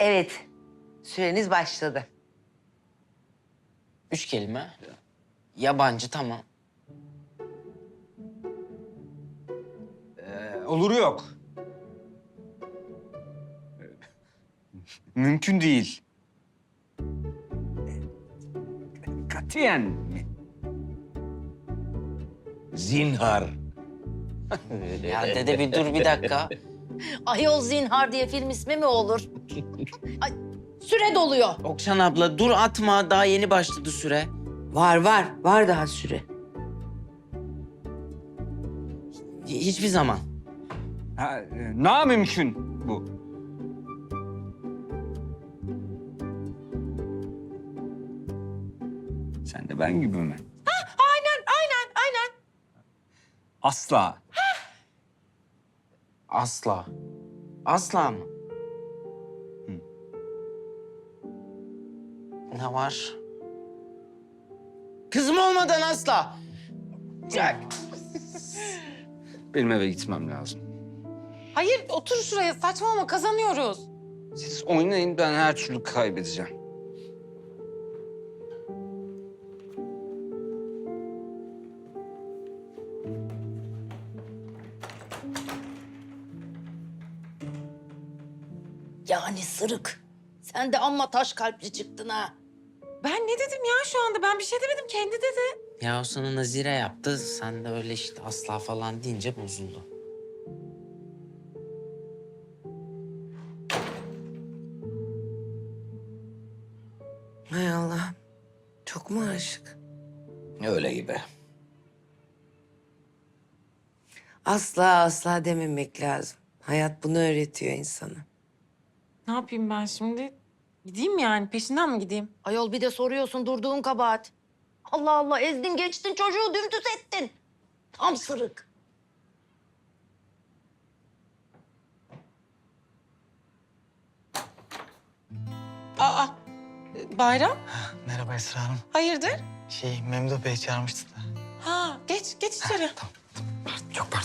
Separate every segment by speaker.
Speaker 1: Evet, süreniz başladı.
Speaker 2: 3 kelime. Yabancı tamam.
Speaker 3: Oluru yok. Mümkün değil. Katiyen mi?
Speaker 4: Zinhar.
Speaker 2: Ya dede bir dur bir dakika.
Speaker 5: Ayol Zinhar diye film ismi mi olur? Ay, süre doluyor.
Speaker 2: Okşan abla dur atma daha yeni başladı süre.
Speaker 1: Var daha süre.
Speaker 2: Hiçbir zaman.
Speaker 3: Namümkün bu. Sen de ben gibi mi?
Speaker 5: Aynen.
Speaker 3: Asla.
Speaker 2: Asla. Asla mı? Ne var? Kızım olmadan asla. Ya,
Speaker 3: Benim eve gitmem lazım.
Speaker 6: Hayır, otur şuraya. Saçmalama, kazanıyoruz.
Speaker 3: Siz oynayın, ben her türlü kaybedeceğim.
Speaker 5: Yani sırık. Sen de amma taş kalpli çıktın ha.
Speaker 6: Ben ne dedim ya şu anda? Ben bir şey demedim, kendi dedi.
Speaker 2: ya o sana nazire yaptı. Sen de öyle işte asla falan deyince bozuldu.
Speaker 1: Hay Allah. Çok mu aşık?
Speaker 4: Öyle gibi.
Speaker 1: Asla dememek lazım. Hayat bunu öğretiyor insana.
Speaker 6: Ne yapayım ben şimdi? Gideyim yani, peşinden mi gideyim?
Speaker 5: Ayol bir de soruyorsun durduğun kabahat. Allah Allah ezdin geçtin çocuğu dümdüz ettin. Tam sırık.
Speaker 6: Aa, Bayram,
Speaker 7: Merhaba Esra Hanım.
Speaker 6: hayırdır?
Speaker 7: Memduh Bey çağırmıştı da.
Speaker 6: Ha, geç içeri.
Speaker 7: Çok pardon.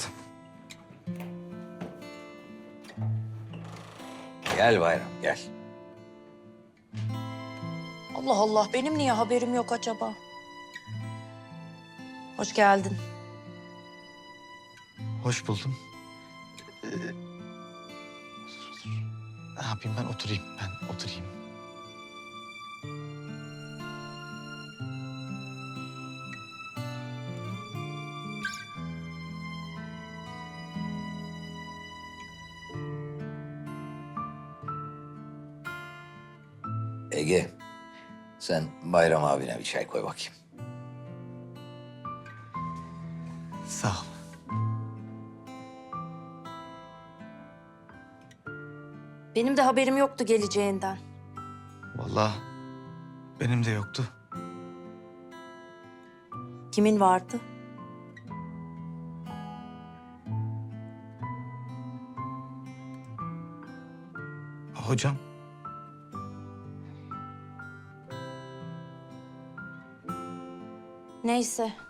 Speaker 4: Gel Bayram, gel.
Speaker 5: Allah Allah benim niye haberim yok acaba? Hoş geldin.
Speaker 7: Hoş buldum. Ne yapayım ben oturayım,
Speaker 4: Ege, sen Bayram abine bir çay koy bakayım.
Speaker 7: Sağ ol.
Speaker 5: Benim de haberim yoktu geleceğinden.
Speaker 7: Vallahi benim de yoktu.
Speaker 5: Kimin vardı?
Speaker 7: Hocam,
Speaker 5: Neyse